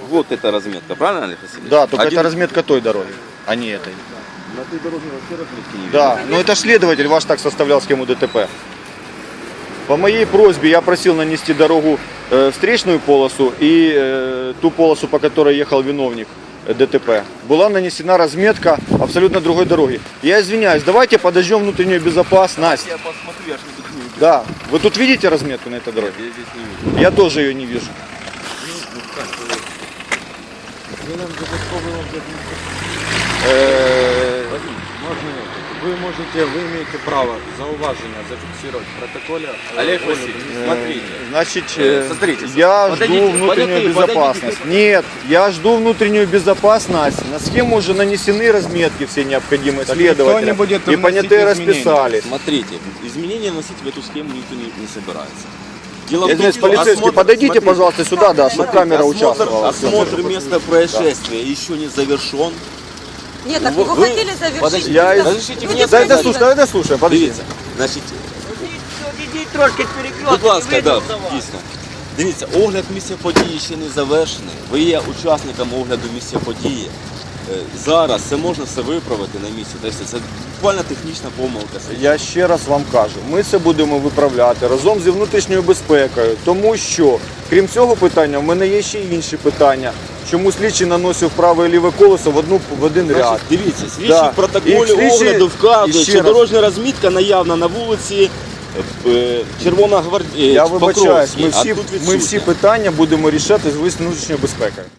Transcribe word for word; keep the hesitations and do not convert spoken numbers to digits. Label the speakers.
Speaker 1: вот эта разметка, правильно, Олег Васильевич?
Speaker 2: Да, только
Speaker 1: Один-
Speaker 2: это разметка той дороги, а не этой.
Speaker 1: На той дороге вообще разметки не видно.
Speaker 2: Да, но это ж следователь ваш так составлял схему ДТП. По моей просьбе я просил нанести дорогу э, встречную полосу и э, ту полосу, по которой ехал виновник э, ДТП. Была нанесена разметка абсолютно другой дороги. Я извиняюсь, давайте подождем внутреннюю безопасность.
Speaker 1: Я посмотрю, я ж не тут не вижу.
Speaker 2: Да, вы тут видите разметку на этой дороге?
Speaker 1: Я здесь не вижу.
Speaker 2: Я тоже ее не вижу. Э,
Speaker 3: Можно вы можете, вы имеете право зауваження зафиксировать в протоколе. э,
Speaker 1: Олег
Speaker 3: огляду
Speaker 1: Васильевич,
Speaker 3: места.
Speaker 1: смотрите.
Speaker 2: Значит,
Speaker 1: Э,
Speaker 2: э,
Speaker 1: смотрите,
Speaker 2: я
Speaker 1: подойдите,
Speaker 2: жду внутреннюю
Speaker 1: подойдите,
Speaker 2: безопасность. Нет, я жду внутреннюю безопасность. На схему уже нанесены разметки все необходимые
Speaker 3: Так никто
Speaker 2: следователя.
Speaker 3: не будет
Speaker 2: И
Speaker 3: вносить
Speaker 2: понятые
Speaker 3: изменения.
Speaker 2: расписались.
Speaker 1: Смотрите, изменения вносить в эту схему никто не, не собирается. Дело
Speaker 2: Я
Speaker 1: в том,
Speaker 2: здесь
Speaker 1: что
Speaker 2: полицейский,
Speaker 1: осмотр-
Speaker 2: подойдите,
Speaker 1: смотрите,
Speaker 2: пожалуйста, сюда, да, чтобы
Speaker 1: смотрите,
Speaker 2: камера
Speaker 1: осмотр-
Speaker 2: участвовала.
Speaker 1: Осмотр места происшествия еще не завершен.
Speaker 4: Нет, так
Speaker 1: Вы-
Speaker 4: вы,
Speaker 1: вы-
Speaker 4: хотели завершить.
Speaker 1: подождите,
Speaker 2: Я из-
Speaker 1: разрешите
Speaker 4: Люди
Speaker 1: мне
Speaker 2: Дай
Speaker 1: сказать.
Speaker 2: дослушай, дай дослушай, подожди.
Speaker 1: Дивіться, значить,
Speaker 5: Ідіть трошки перекресток.
Speaker 1: будь ласка, да, дійсно. Дивіться, огляд місця події ще не завершений. Ви є учасником огляду місця події. Е, Зараз це можна все виправити на місці. Тобто це буквально технічна помилка.
Speaker 2: Я ще раз вам кажу, ми це будемо виправляти разом зі внутрішньою безпекою, тому що, крім цього питання, в мене є ще й інші питання. Чому слідчий наносив праве і ліве колесо в, одну, в один ряд?
Speaker 1: Значить, дивіться, слідчий
Speaker 2: Да.
Speaker 1: в протоколі
Speaker 2: І слідчий-
Speaker 1: огляду
Speaker 2: і
Speaker 1: вказує,
Speaker 2: ще
Speaker 1: що
Speaker 2: раз.
Speaker 1: дорожня розмітка наявна на вулиці е, Червона гвардія.
Speaker 2: Я вибачаюсь, ми
Speaker 1: а
Speaker 2: всі,
Speaker 1: тут
Speaker 2: ми
Speaker 1: відсутня.
Speaker 2: всі питання будемо рішати з внутрішньою безпекою.